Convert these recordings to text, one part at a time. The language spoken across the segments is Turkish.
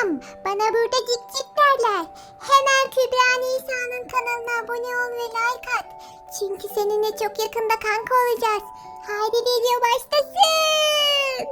selam. Bana burada cik cik derler. Hemen Kübra Nisa'nın kanalına abone ol ve like at. Çünkü seninle çok yakında kanka olacağız. Haydi video başlasın.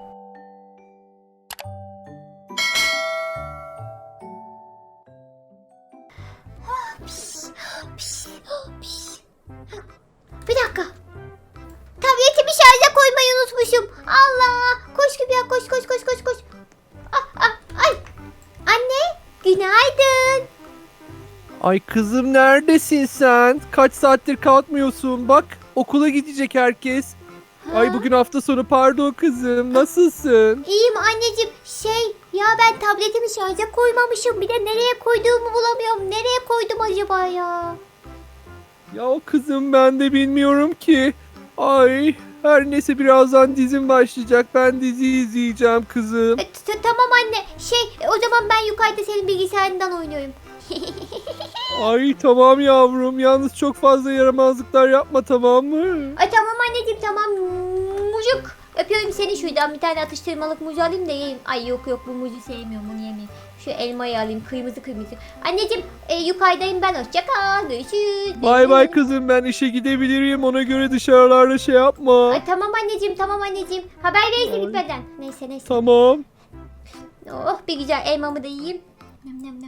Bir dakika. Tabletimi şarja koymayı unutmuşum. Allah! Koş Kübra, koş koş koş koş koş. Ay! Anne, günaydın. Ay kızım neredesin sen? Kaç saattir kalkmıyorsun? Bak okula gidecek herkes. Ay bugün hafta sonu pardon kızım. Nasılsın? İyiyim anneciğim. Ya ben tabletimi şarja koymamışım. Bir de nereye koyduğumu bulamıyorum. Nereye koydum acaba ya? Ya kızım ben de bilmiyorum ki. Ay her neyse birazdan dizim başlayacak. Ben dizi izleyeceğim kızım. Tamam anne. O zaman ben yukarıda senin bilgisayarından oynuyorum. Ay tamam yavrum. Yalnız çok fazla yaramazlıklar yapma tamam mı? Ay tamam anneciğim, tamam. Mucuk. Öpüyorum seni, şuradan bir tane atıştırmalık muz alayım da yiyeyim. Ay yok bu muzu sevmiyorum, bunu yemeyeyim. Şu elmayı alayım, kırmızı. Anneciğim yukarıdayım ben, hoşça kal, görüşürüz. Bay bay kızım ben işe gidebilirim. Ona göre dışarılarda şey yapma. Ay tamam anneciğim. Haber verirsin gitmeden. Neyse. Tamam. Oh, bir güzel elmamı da yiyeyim. Nem.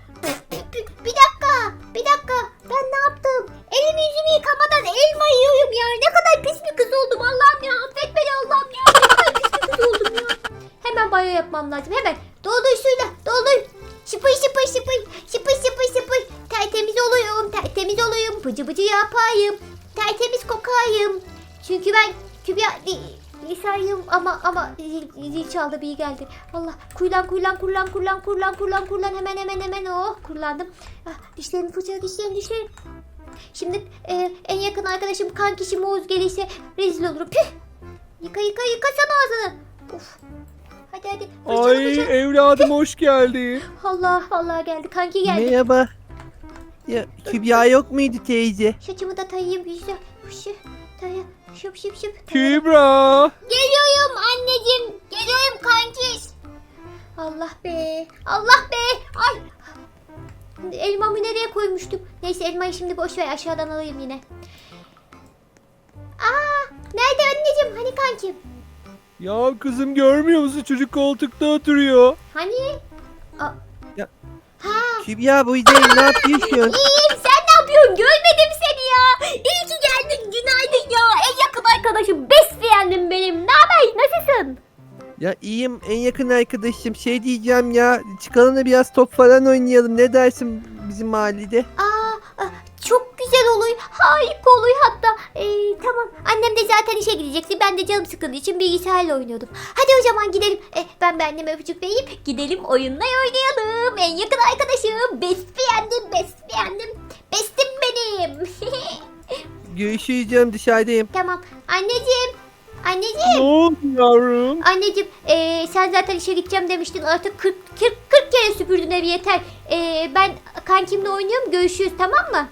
Bir dakika. Ben ne yaptım? Elimi yüzümü yıkamadan elma yiyorum ya. Ne kadar pis bir kız oldum Allah'ım ya. Affet beni Allah'ım ya. Ne kadar pis bir kız oldum ya. Hemen banyo yapmam lazım. Hemen. Doldur suyla. Doldur. Şıpır. Tertemiz oluyorum. Bıcı yapayım. Tertemiz kokayım. Çünkü ben Kübra Nisa'yım ama zil çaldı, bir geldi. Allah, kullan. Hemen oh, kullandım. Dişlerimi fırçala, dişlerim. Şimdi en yakın arkadaşım kankişim Oğuz gelirse rezil olurum. Püh. Yıkasana ağzını. Of. Hadi. Fırçala. Evladım hoş geldin. Allah geldi. Kanki geldi. Merhaba. Ya Kübra yok muydu teyze? Saçımı da tayayım güzel. Şıp. Kübra. Geliyorum anneciğim. Geliyorum kankiş. Allah be. Ay. Elmamı nereye koymuştum? Neyse elmayı şimdi boş ver, aşağıdan alayım yine. Nerede anneciğim? Hani kankim? Ya kızım görmüyor musun? Çocuk koltukta oturuyor. Hani? Kübra buradayım, ne yapıyorsun? İyiyim, sen ne yapıyorsun? Görmedim seni ya. İyi ki geldin, günaydın ya. En yakın arkadaşım, best friend'im benim. Ne haber? Nasılsın? Ya iyiyim, en yakın arkadaşım. Şey diyeceğim ya, çıkalım da biraz top falan oynayalım. Ne dersin bizim mahallede? Çok güzel olur. Harika olur hatta. Tamam. Annem de zaten işe gidecekti. Ben de canım sıkıldığı için bilgisayarla oynuyordum. Hadi o zaman gidelim. Ben anneme öpücük vereyim. Gidelim oyunla oynayalım. En yakın arkadaşım. Best friend'im. Bestim benim. Görüşürüz canım, dışarıdayım. Tamam. Anneciğim. Ne oldu yavrum? Anneciğim sen zaten işe gideceğim demiştin. Artık 40 kere süpürdün evi, yeter. Ben kankimle oynuyorum. Görüşürüz, tamam mı?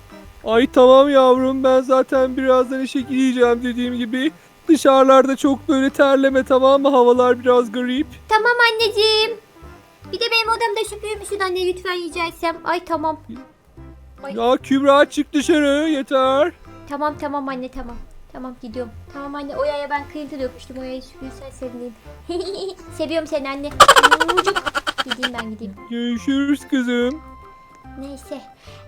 Ay tamam yavrum ben zaten birazdan işe gideceğim dediğim gibi. Dışarılarda çok böyle terleme tamam mı? Havalar biraz garip. Tamam anneciğim. Bir de benim odamda süpürür müsün anne lütfen, rica etsem. Ay tamam. Ay. Ya Kübra çık dışarı yeter. Tamam anne tamam. Tamam gidiyorum. Tamam anne, Oya'ya ben kıyıntı dökmüştüm. Oya'yı süpürürsen sevineyim. Seviyorum seni anne. Mucuk. Gideyim. Görüşürüz kızım. Neyse.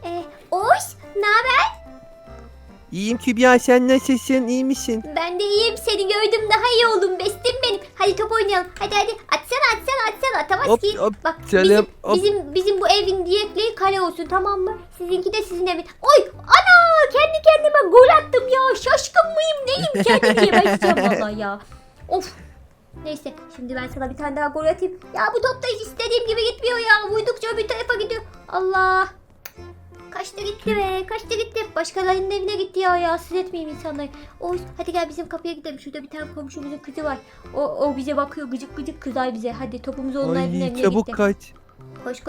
Oş, ne haber? İyiyim Kübra, sen nasılsın, iyi misin? Ben de iyiyim. Seni gördüm daha iyi oldum. Bestim benim. Hadi top oynayalım. Hadi. Atsana. Atamaz Hop, ki. hop, Bak canım, hop. bizim bu evin diyetliği kale olsun, tamam mı? Sizinki de sizin evin. Oy ana, kendi kendime gol attım ya. Şaşkın mıyım neyim? Kendim yemeyeceğim valla ya. Of. Neyse şimdi ben sana bir tane daha gol atayım. Ya bu top da hiç istediğim gibi gitmiyor ya. Vurdukça bir tarafa gidiyor. Allah. Kaçtı gitti. Başkalarının evine gitti ya. Rahatsız etmeyeyim insanları. Hadi gel bizim kapıya gidelim. Şurada bir tane komşumuzun kızı var. O bize bakıyor, gıcık kızar bize. Hadi topumuzu onun evine Ay gitti. çabuk kaç. Koş.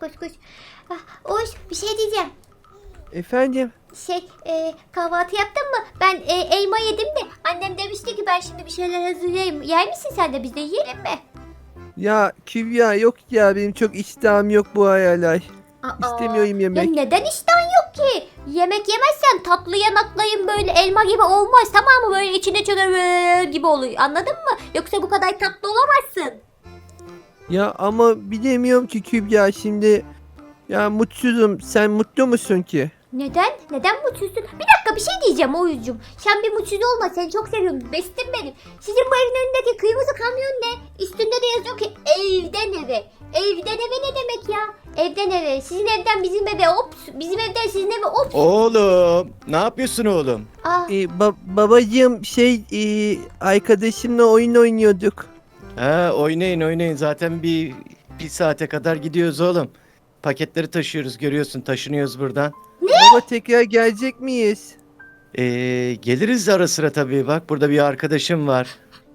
Bir şey diyeceğim. Efendim? Kahvaltı yaptın mı? Ben elma yedim de annem demişti ki ben şimdi bir şeyler hazırlayayım. Yer misin sen de, biz de yiyelim mi? Ya Kübra yok ya benim çok iştahım yok bu aralar. Aa, İstemiyorum ya yemek. neden iştahın yok ki? Yemek yemezsen tatlı yanaklayın böyle elma gibi olmaz, tamam mı? Böyle içinde çöker gibi oluyor, anladın mı? Yoksa bu kadar tatlı olamazsın. Ya ama bilemiyorum ki Kübra şimdi. Ya mutsuzum. Sen mutlu musun ki? Neden? Neden mutsuzsun? Bir dakika, bir şey diyeceğim Oğuzcum. Sen bir mutsuz olma, seni çok seviyorum. Bestim benim. Sizin bu evin önündeki kırmızı kamyon ne? Üstünde de yazıyor ki evden eve. Evden eve ne demek ya? Evden eve. Sizin evden bizim eve ops. Bizim evden sizin eve ops. Oğlum, ne yapıyorsun oğlum? Aa, Babacığım arkadaşımla oyun oynuyorduk. Ha, oynayın. Zaten bir saate kadar gidiyoruz oğlum. Paketleri taşıyoruz, görüyorsun, taşınıyoruz buradan. Baba tekrar gelecek miyiz? Geliriz ara sıra tabii. Bak burada bir arkadaşım var.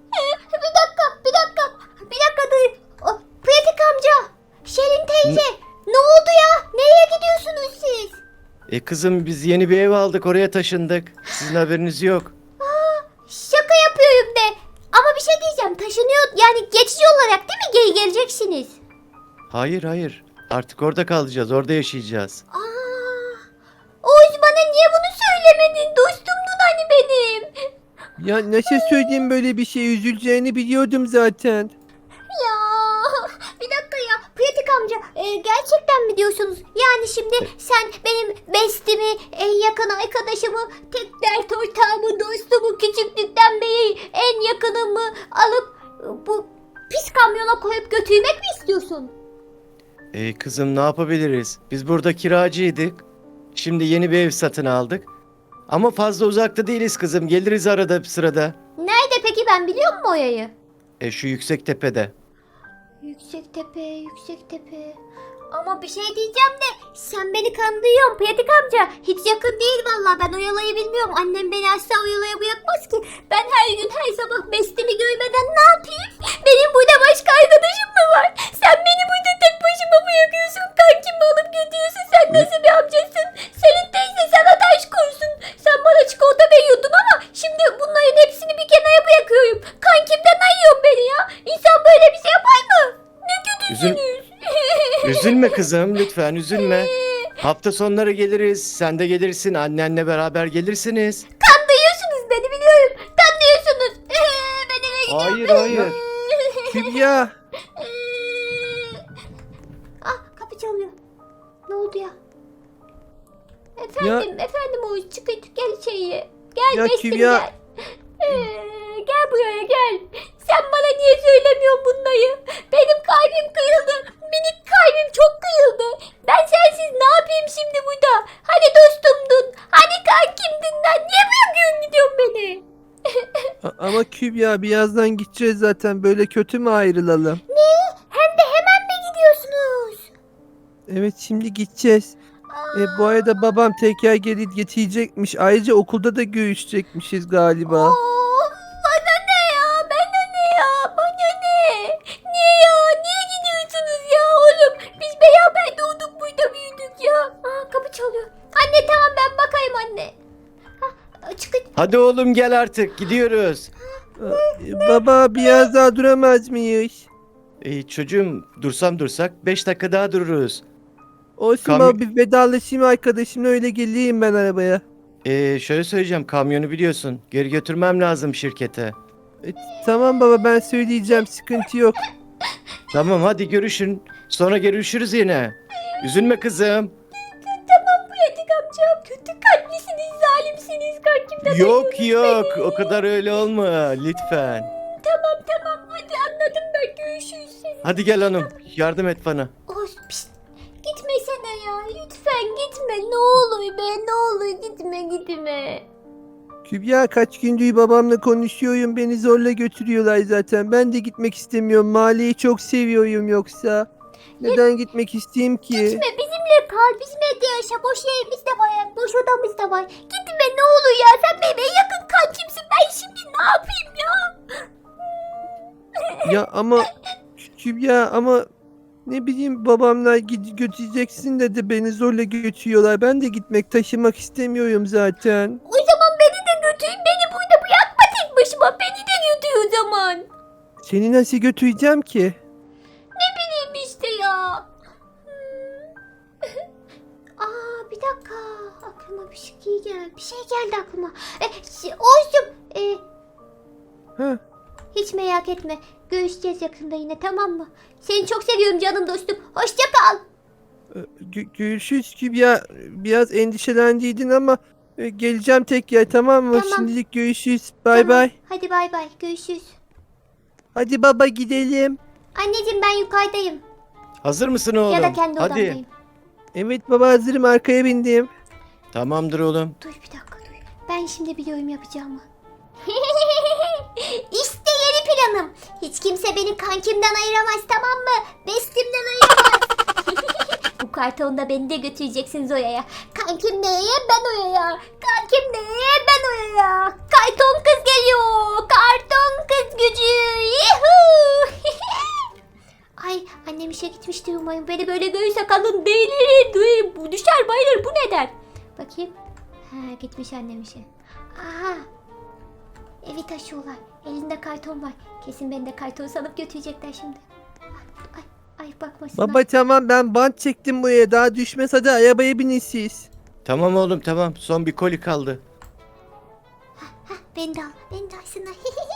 bir dakika dur. Pratik amca. Şirin teyze. Ne oldu ya? Nereye gidiyorsunuz siz? Kızım biz yeni bir ev aldık, oraya taşındık. Sizin haberiniz yok. Şaka yapıyorum de. Ama bir şey diyeceğim. Taşınıyor yani geçici olarak değil mi? Geri geleceksiniz. Hayır. Artık orada kalacağız, orada yaşayacağız. Oğuz, bana niye bunu söylemedin? Dostumdun hani benim. Ya nasıl söyleyeyim böyle bir şey üzüleceğini biliyordum zaten. Ya bir dakika ya. Pratik amca gerçekten mi diyorsunuz? Yani şimdi sen benim bestimi, en yakın arkadaşımı, tek dert ortağımı, dostumu, küçüklükten beri en yakınımı alıp bu pis kamyona koyup götürmek mi istiyorsun? Kızım ne yapabiliriz? Biz burada kiracıydık. Şimdi yeni bir ev satın aldık. Ama fazla uzakta değiliz kızım. Geliriz arada bir sırada. Nerede peki, ben biliyor muyum o yayı? Şu yüksek tepede. Yüksek tepe. Ama bir şey diyeceğim de sen beni kandırıyorsun Pratik amca. Hiç yakın değil vallahi, ben o yalayı bilmiyorum. Annem beni asla o yalaya bırakmaz ki. Ben her gün her sabah bestimi görmeden ne yapayım? Benim burada başka arkadaşım mı var? Sen beni burada tek başıma bırakıyorsun. Kankimi alıp götürüyorsun. Sen nasıl bir amcasın? Senin teyze sana taş koysun. Sen bana çikolata veriyordun ama şimdi bunların hepsini bir kenara bırakıyorum. Kankimden ayıyorsun beni ya. İnsan böyle bir şey yapar mı? Ne kötüsünüz. Üzülme kızım, lütfen üzülme. Hafta sonları geliriz. Sen de gelirsin. Annenle beraber gelirsiniz. Kandırıyorsunuz beni, biliyorum. Kandırıyorsunuz. Ben eve gidiyorum. Hayır. Kübra. Kapı çalıyor. Ne oldu ya? Efendim Oğuz, çık gel içeriye. Gel Ya bestim Kübra. gel. Gel buraya gel. Sen bana niye söylemiyorsun bunları? Benim kalbim kırıldı. Minik kalbim çok kırıldı. Ben sensiz ne yapayım şimdi burada? Hani dostumdun? Hani kankimdin lan? Niye bırakıyorsun gidiyorsun beni? Ama Kübra birazdan gideceğiz zaten. Böyle kötü mü ayrılalım? Hem de hemen mi gidiyorsunuz? Evet şimdi gideceğiz. Bu arada babam tekrar gelip getirecekmiş. Ayrıca okulda da görüşecekmişiz galiba. Bana ne ya? Bana ne ya? Bana ne? Niye ya? Niye gidiyorsunuz ya oğlum? Biz beraber doğduk, burada büyüdük ya. Kapı çalıyor. Anne tamam, ben bakayım anne. Çıkın. Hadi oğlum gel artık. Gidiyoruz. Baba biraz daha duramaz mıyız? Çocuğum dursak 5 dakika daha dururuz. Olsun Kamyon- baba bir vedalaşayım arkadaşımla öyle geleyim ben arabaya. Şöyle söyleyeceğim, kamyonu biliyorsun. Geri götürmem lazım şirkete. Tamam baba ben söyleyeceğim sıkıntı yok. Tamam hadi görüşün. Sonra görüşürüz yine. Üzülme kızım. Tamam Pratik amcam. Kötü kalplisiniz, zalimsiniz. Kankimden Yok o kadar öyle olma lütfen. Tamam. Hadi anladım ben. Görüşürüz. Hadi gel hanım, yardım et bana. Oğuz pişt. Gitmesene ya. Lütfen gitme. Ne olur be. Ne olur gitme. Kübra kaç gündür babamla konuşuyorum beni zorla götürüyorlar zaten. Ben de gitmek istemiyorum mahalleyi çok seviyorum yoksa. Neden gitmek isteyeyim ki? Gitme, bizimle kal. Bizim evde yaşa. Boş yerimiz de var. Boş odamız da var. Gitme ne olur ya. Sen benim en yakın kankimsin. Ben şimdi ne yapayım ya? Ya ama Kübra ama ne bileyim babamlar götüreceksin dedi beni zorla götürüyorlar. Ben de gitmek taşımak istemiyorum zaten. O zaman beni de götür. Beni burada bırakma tek başıma. Beni de götür o zaman. Seni nasıl götüreceğim ki? Bir şey geldi aklıma. Oğuzcum. Ha, Hiç merak etme. Görüşeceğiz yakında yine, tamam mı? Seni çok seviyorum canım dostum. Hoşça kal. görüşürüz Kübra. Biraz endişelendiydin ama geleceğim tekrar, tamam mı? Tamam. Şimdilik görüşürüz. Bay Tamam. bay. Hadi bay bay. Görüşürüz. Hadi baba gidelim. Anneciğim ben yukarıdayım. Hazır mısın oğlum? Ya da kendi Hadi. odamdayım. Evet baba, hazırım, arkaya bindim. Tamamdır oğlum. Dur bir dakika dur. Ben şimdi biliyorum yapacağımı. İşte yeni planım. Hiç kimse beni kankimden ayıramaz, tamam mı? Bestimden ayıramaz. Bu kartonda beni de götüreceksiniz oraya. Kankim neye, ben oraya. Kankim neye, ben oraya. Karton kız geliyor. Karton kız gücü. Yuhuu. Ay annem işe gitmiştir umarım. Beni böyle görürse kadın delir. Bu düşer bayılır. Bu neden? Bakayım. Ha, gitmiş annem işe. Aha. Evi taşıyorlar. Elinde karton var. Kesin beni de karton sanıp götürecekler şimdi. Ay bakmasınlar. Baba tamam, ben bant çektim buraya, daha düşmez, hadi arabaya binin siz. Tamam oğlum tamam. Son bir koli kaldı. Beni de al. Beni de alsınlar.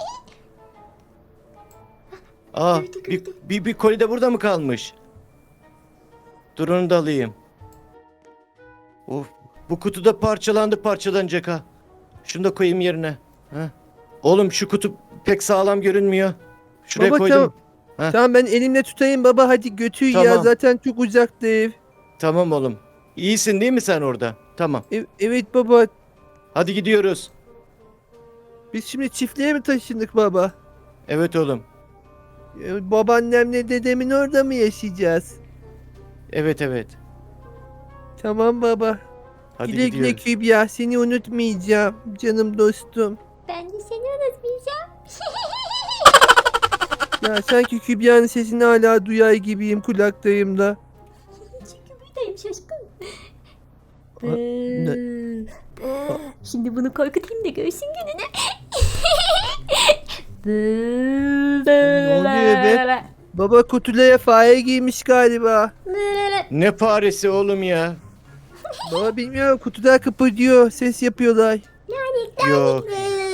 Aa Gördü, bir, gördü. bir koli de burada mı kalmış? Dur onu da alayım. Of, bu kutu da parçalanacak ha. Şunu da koyayım yerine. Ha. Oğlum şu kutu pek sağlam görünmüyor. Şuraya Baba koydum. tamam. Heh. Tamam, ben elimle tutayım baba, hadi götür ya, Tamam. zaten çok uzakta ev. Tamam oğlum. İyisin değil mi sen orada? Tamam. Evet baba, Hadi gidiyoruz. biz şimdi çiftliğe mi taşındık baba? Evet oğlum. Babaannemle dedemin orada mı yaşayacağız? Evet. Tamam baba. Hadi Güle güle gidiyoruz. Kübra, seni unutmayacağım canım dostum. Ben de seni unutmayacağım. Ya sanki Kübra'nın sesini hala duyar gibiyim kulaktayımda. Çünkü buradayım şaşkın. Şimdi bunu korkutayım da görsün gününü. Ne oluyor be? Baba kutulara fare giymiş galiba. Ne faresi oğlum ya? Baba bilmiyorum, kutular kıpırdıyor, ses yapıyorlar. Yok.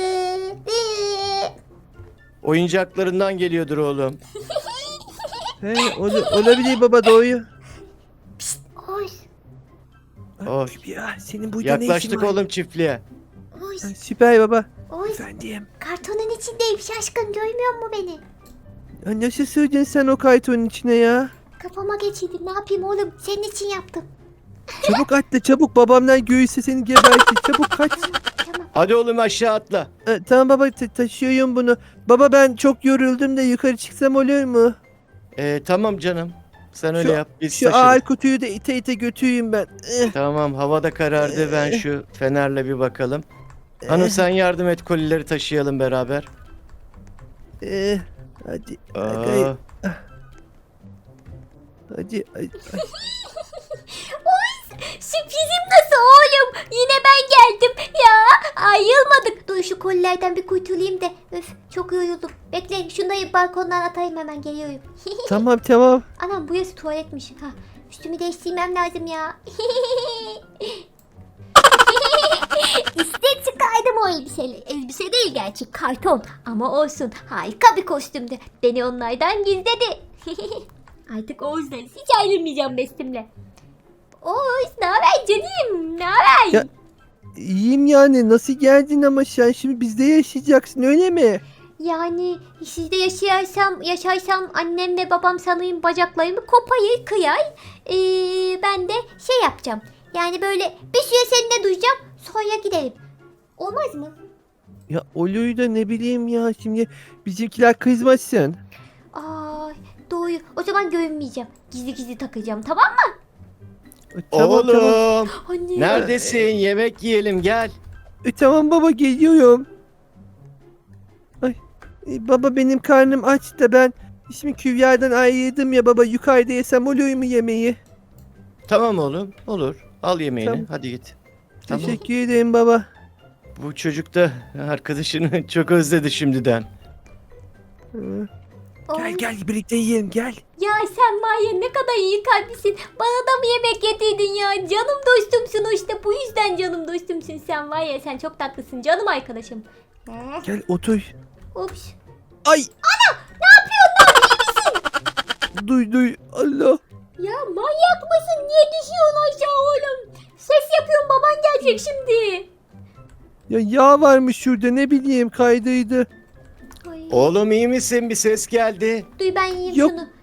Oyuncaklarından geliyordur oğlum. He, olabilir baba, doğru. Oğuz. Oh, Kübra, senin burada ne işin yaklaştık var? oğlum çiftliğe. Oğuz. Süper baba. Oğuz. Efendim. Kartonun içindeyim şaşkın, görmüyor musun beni? Ya nasıl sığdın sen o kaytonun içine ya? Kafama geçirdi, ne yapayım oğlum, senin için yaptım. Çabuk atla çabuk, babamdan görürse seni gebertir. Çabuk kaç. Tamam. Hadi oğlum aşağı atla. Tamam baba, taşıyorum bunu. Baba ben çok yoruldum da yukarı çıksam olur mu? Tamam canım. Sen öyle Şu- yap. Biz Şu taşırız. ağır kutuyu da ite ite götüreyim ben. Tamam havada karardı. Ben şu fenerle bir bakalım. Hanım sen yardım et, kolileri taşıyalım beraber. Hadi. Aa, Hadi. Sürprizim nasıl oğlum? Yine ben geldim. Ya ayrılmadık. Dur şu kolilerden bir kurtulayım da. Öf çok yoruldum. Bekle şunları balkondan atayım, hemen geliyorum. Tamam. Anam burası tuvaletmiş. Ha, üstümü değiştirmem lazım ya. İşte çıkardım o elbiseyi. Elbise değil gerçi, karton. Ama olsun, harika bir kostümdü. Beni onlardan gizledi. Artık Oğuz'dan hiç ayrılmayacağım bestimle. Oğuz ne haber canım? Ne haber? Ya- İyiyim yani, nasıl geldin ama sen şimdi bizde yaşayacaksın öyle mi? Yani sizde yaşarsam annem ve babam sanırım bacaklarımı kopayır kıyar. Ben de şey yapacağım. Yani böyle bir süre seninle duyacağım, sonra giderim. Olmaz mı? Ya olur da ne bileyim ya, şimdi bizimkiler kızmasın. Ay doğru. O zaman görünmeyeceğim. Gizli gizli takacağım, tamam mı? Tamam. oğlum. Anne. Neredesin? Yemek yiyelim gel. Tamam baba, geliyorum. Ay, baba benim karnım aç da ben şimdi Kübra'dan ayrıldım ya baba, yukarıda yesem olur mu yemeği? Tamam oğlum olur. Al yemeğini Tamam. hadi git. Tamam. Teşekkür ederim baba. Bu çocuk da arkadaşını çok özledi şimdiden. Hı. Oy, Gel birlikte yiyelim gel. Ya sen var ya ne kadar iyi kalplisin. Bana da mı yemek getirdin ya? Canım dostumsun işte. Bu yüzden canım dostumsun sen var ya. Sen çok tatlısın canım arkadaşım. Gel otur. Ups. Ay. Ana ne yapıyorsun lan? İyi misin? Duy Allah. Ya manyak mısın? Niye düşüyorsun aşağı oğlum? Ses yapıyorum baban gelecek şimdi. Ya yağ varmış şurada ne bileyim kaydıydı. Ay. Oğlum iyi misin? Bir ses geldi. Duy ben yiyeyim Yok. şunu.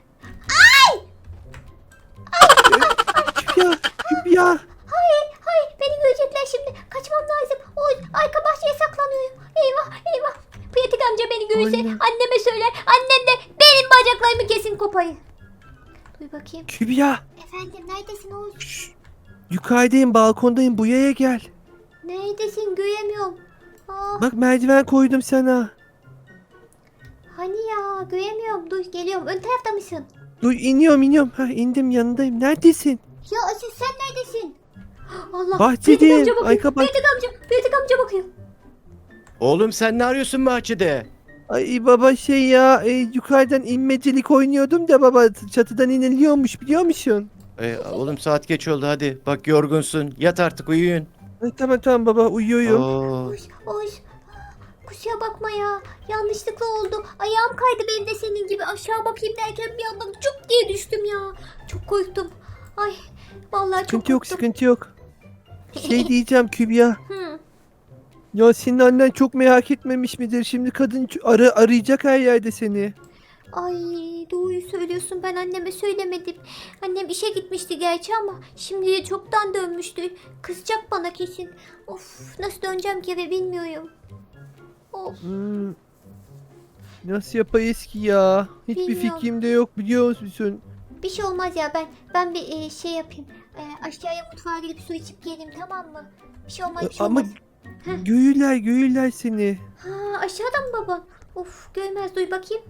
Kübra. Hayır beni görecekler şimdi. Kaçmam lazım. Oy arka bahçeye saklanıyorum. Eyvah. Pratik amca beni görürse Aynen. anneme söyler. Annem de benim bacaklarımı kesin kopayı. Duy bakayım. Kübra. Efendim neredesin Oğuz? Yukarıdayım balkondayım buraya gel. Neredesin göremiyorum. Aa, Bak merdiven koydum sana. hani ya göremiyorum. Dur geliyorum. Ön tarafta mısın? Dur iniyorum. Ha indim yanındayım. Neredesin? Ya Aziz sen neredesin? Allah. Bahçedeyim. Pratik amca bakıyor. Arka bah- Pratik amca bakıyor. Oğlum sen ne arıyorsun bahçede? Ay baba şey ya yukarıdan inmecilik oynuyordum da baba çatıdan iniliyormuş biliyor musun? Oğlum saat geç oldu hadi. Bak yorgunsun. Yat artık uyuyun. Ay, tamam baba uyuyorum. Oo. Oğuz. Kusura bakma ya. Yanlışlıkla oldu. Ayağım kaydı benim de senin gibi. Aşağı bakayım derken bir anda cuk diye düştüm ya. Çok korktum. Ay vallahi çok Sıkıntı yok korktum. sıkıntı yok. Şey diyeceğim Kübra. Hı. Ya senin annen çok merak etmemiş midir? Şimdi kadın arayacak her yerde seni. Ay doğruyu söylüyorsun ben anneme söylemedim. Annem işe gitmişti gerçi ama şimdi çoktan dönmüştü. Kızacak bana kesin. Of nasıl döneceğim ki eve bilmiyorum. Of Hmm. Nasıl yapayız ki ya? Hiçbir Bilmiyorum. fikrim de yok biliyor musun? bir şey olmaz ya ben bir şey yapayım. Aşağıya mutfağa gidip su içip geleyim tamam mı? Bir şey olmaz bir şey Ama olmaz. Heh. göğüler seni. Ha aşağıda mı baban? Of görmez duy bakayım.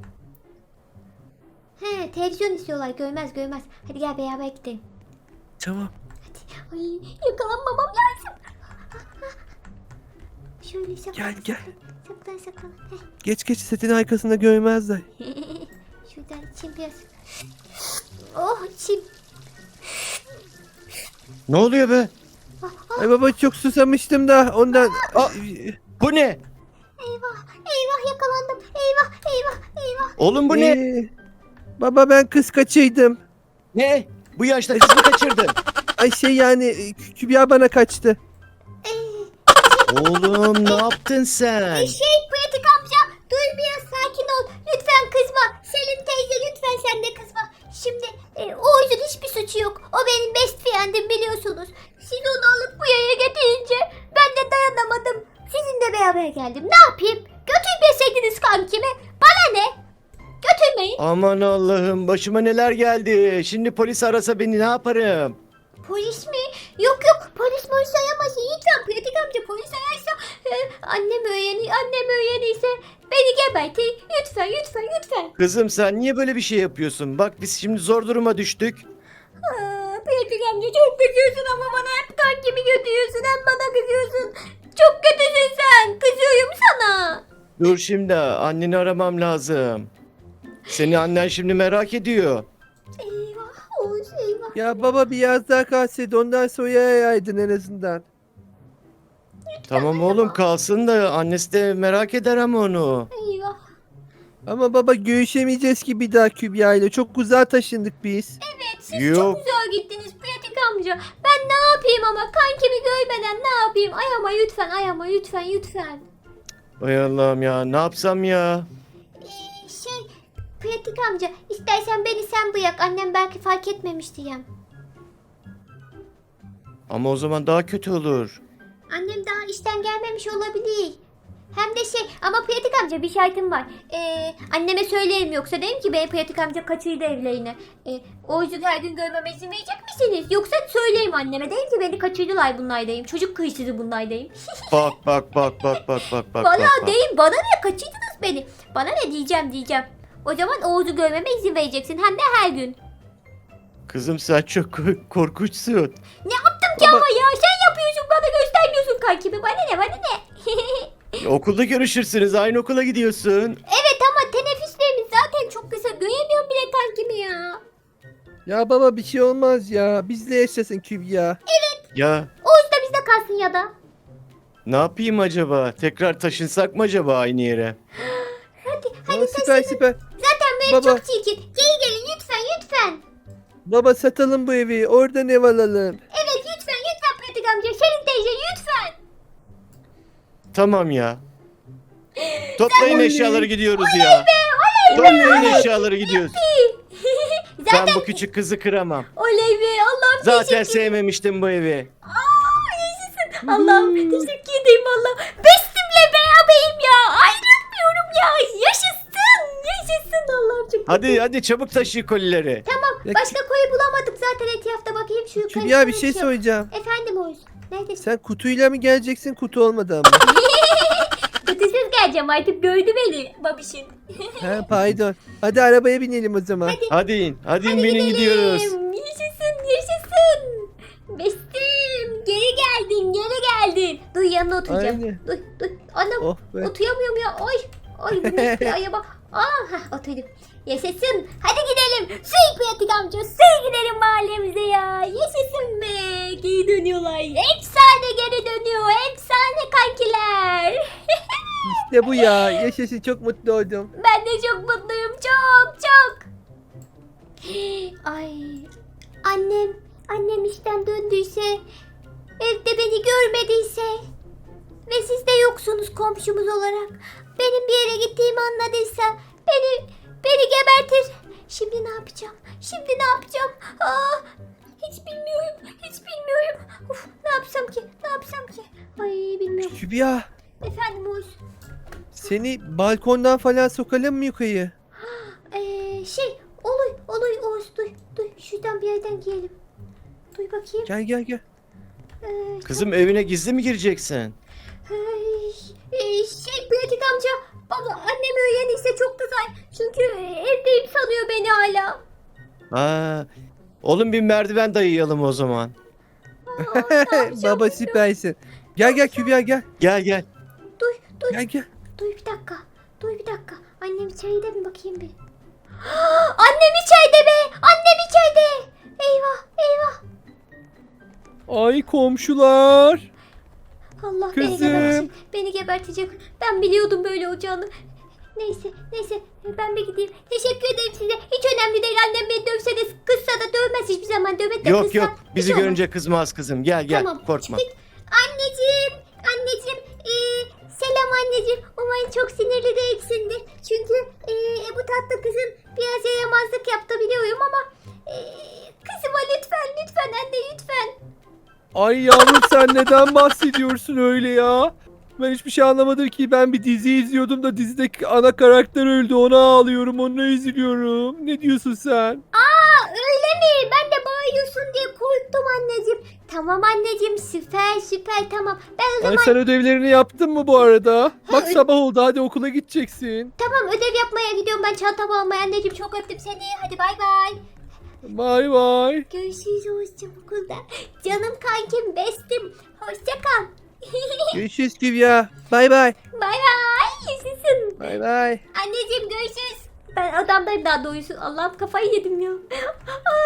He televizyon istiyorlar görmez. Hadi gel beraber gidelim. Tamam. Ay yakalanmamam lazım. Şöyle saklan. Gel. Saklan. Geç setin arkasında görmezler. Şuradan içeyim biraz. Oh içeyim. Ne oluyor be? Ay baba çok susamıştım da ondan. Aa! Bu ne? Eyvah yakalandım. Eyvah. Oğlum bu ne? Baba ben kız kaçıydım. Ne? Bu yaşta kız mı kaçırdın? Ay şey yani Kübra bana kaçtı. Oğlum ne yaptın sen? Pratik amca dur biraz sakin ol. Lütfen kızma. Selin teyze lütfen sen de kızma. Şimdi Oğuz'un hiçbir suçu yok. O benim best friend'im biliyorsunuz. Siz onu alıp bu yaya getirince ben de dayanamadım. Sizinle beraber geldim. Ne yapayım? Götürmeseydiniz kankimi. Bana ne? Götürmeyin. Aman Allah'ım başıma neler geldi. Şimdi polis arasa beni ne yaparım? Polis mi? Yok polis arayamaz. Lütfen pratik amca polis ararsa annem öğrenirse beni gebertir. Lütfen. Kızım sen niye böyle bir şey yapıyorsun? Bak biz şimdi zor duruma düştük. Pratik amca çok kızıyorsun ama bana hep kankimi götürüyorsun hem bana kızıyorsun. Çok kötüsün sen. Kızıyorum sana. Dur şimdi anneni aramam lazım. Seni annen şimdi merak ediyor. Eyvah Oğuz eyvah. Ya baba biraz daha kalsaydı ondan sonra yayaydın en azından. Tamam oğlum kalsın da annesi de merak eder ama onu. Eyvah. Ama baba görüşemeyeceğiz ki bir daha Kübra ile. Çok uzağa taşındık biz. Evet siz Yok. çok güzel gittiniz pratik amca. Ben ne yapayım ama kankimi görmeden ne yapayım? Ayama lütfen. Ay Allah'ım ya ne yapsam ya? Pratik amca istersen beni sen bırak. Annem belki fark etmemiş diyem. Ama o zaman daha kötü olur. Annem daha işten gelmemiş olabilir. Hem de ama pratik amca bir şartım var. Anneme söylerim yoksa derim ki bey pratik amca kaçırdı evlerine. O yüzden her gün görmeme izin verecek misiniz? Yoksa söyleyeyim anneme derim ki beni kaçırdılar bunlar diyeyim. Çocuk hırsızı bunlar diyeyim. Bak. Valla deyin bana ne kaçırdınız beni. Bana ne diyeceğim. O zaman Oğuz'u görmeme izin vereceksin hem de her gün. Kızım sen çok korkunçsun. Ne yaptım ki ama ya sen yapıyorsun bana göstermiyorsun kankimi. Bana ne? Okulda görüşürsünüz aynı okula gidiyorsun. Evet ama teneffüslerimiz zaten çok kısa. Göremiyorum bile kankimi ya. Ya baba bir şey olmaz ya. Bizle yaşasın Kübra. Ya Oğuz da bizde kalsın ya da. ne yapayım acaba? Tekrar taşınsak mı acaba aynı yere? Aa, süper süper. Zaten bu ev Baba. çok çirkin. Geri gelin lütfen lütfen. Baba satalım bu evi. Oradan ev alalım. Evet lütfen pratik amca. Şirin teyze lütfen. Tamam ya. Toplayın eşyaları gidiyoruz ya. Toplayın eşyaları gidiyoruz. Ben bu küçük kızı kıramam. Oley be Allah'ım Zaten sevmemiştim bu evi. Allah'ım teşekkür ederim Allah. Bestimle beraberim ya. Ayrılmıyorum ya. Yaşasın Allah'ım çok Hadi çabuk taşı kolileri. Tamam Ya başka koyu bulamadık zaten etrafta bakayım şu yukarı. Kübra bir şey söyleyeceğim. Efendim Oğuz. Neredesin? Sen kutuyla mı geleceksin kutu olmadan mı? Kutusuz geleceğim artık gördü beni babişin. He pardon. Hadi arabaya binelim o zaman. Hadi in binin gidiyoruz. Yaşasın. Bestim geri geldin. Dur yanına oturacağım. Aynen. Dur. Anam Oh be. oturamıyorum ya. Ay bu ne aya bak. Oturdum. Yaşasın. Hadi gidelim. Suyu pratik amca. Suyu gidelim mahallemize ya. Yaşasın be. Geri dönüyorlar. Efsane geri dönüyor. Efsane kankiler. İşte bu ya. Yaşasın çok mutlu oldum. Ben de çok mutluyum. Çok. Ay. Annem işten döndüyse, evde beni görmediyse ve siz de yoksunuz komşumuz olarak. Benim bir yere gittiğimi anladıysa beni gebertir. Şimdi ne yapacağım? Hiç bilmiyorum. Uf, ne yapsam ki? Ay bilmiyorum. Kübra Efendim Oğuz. seni balkondan falan sokalım mı yukarı? Olur Oğuz duy. Şuradan bir yerden giyelim. Duy bakayım. Gel. Kızım evine gizli mi gireceksin? Pratik amca. Baba annem öğrenirse çok kızar. Çünkü evdeyim sanıyor beni hala. Oğlum bir merdiven dayayalım o zaman. Baba süpersin. Gel Kübra gel. Gel. Duy. Gel. Duy bir dakika. Annem içeride mi bakayım bir. Annem içeride be. Annem içeride. Eyvah. Ay komşular. Allah Kızım. beni gebertecek. Ben biliyordum böyle olacağını. Neyse ben bir gideyim. Teşekkür ederim size. Hiç önemli değil annem beni dövse de kızsa da dövmez hiçbir zaman. Dövmek de kızsa. Yok bizi hiç olmaz. görünce kızmaz kızım. Gel Tamam, korkma. çıktık. Anneciğim. Selam anneciğim. Umarım çok sinirli değilsindir. Çünkü bu tatlı kızım biraz yaramazlık yaptı biliyorum ama kızıma lütfen anne lütfen. Ay yavrum sen neden bahsediyorsun öyle ya? Ben hiçbir şey anlamadım ki. Ben bir dizi izliyordum da dizideki ana karakter öldü. Ona ağlıyorum, ona üzülüyorum. Ne diyorsun sen? Öyle mi? Ben de bağırıyorsun diye korktum anneciğim. Tamam anneciğim süper tamam. Ben o Ay zaman sen ödevlerini yaptın mı bu arada? Bak ö- sabah oldu, hadi okula gideceksin. tamam ödev yapmaya gidiyorum ben çantamı almaya anneciğim çok öptüm seni. Hadi bay bay. Bay bay. Görüşürüz Oğuzcum okulda. Canım kankim bestim. Hoşça kal. Görüşürüz Kübra. Bay. Bay yaşasın. Bay. Anneciğim görüşürüz. Ben odamdayım daha doğrusu. Allah'ım kafayı yedim ya.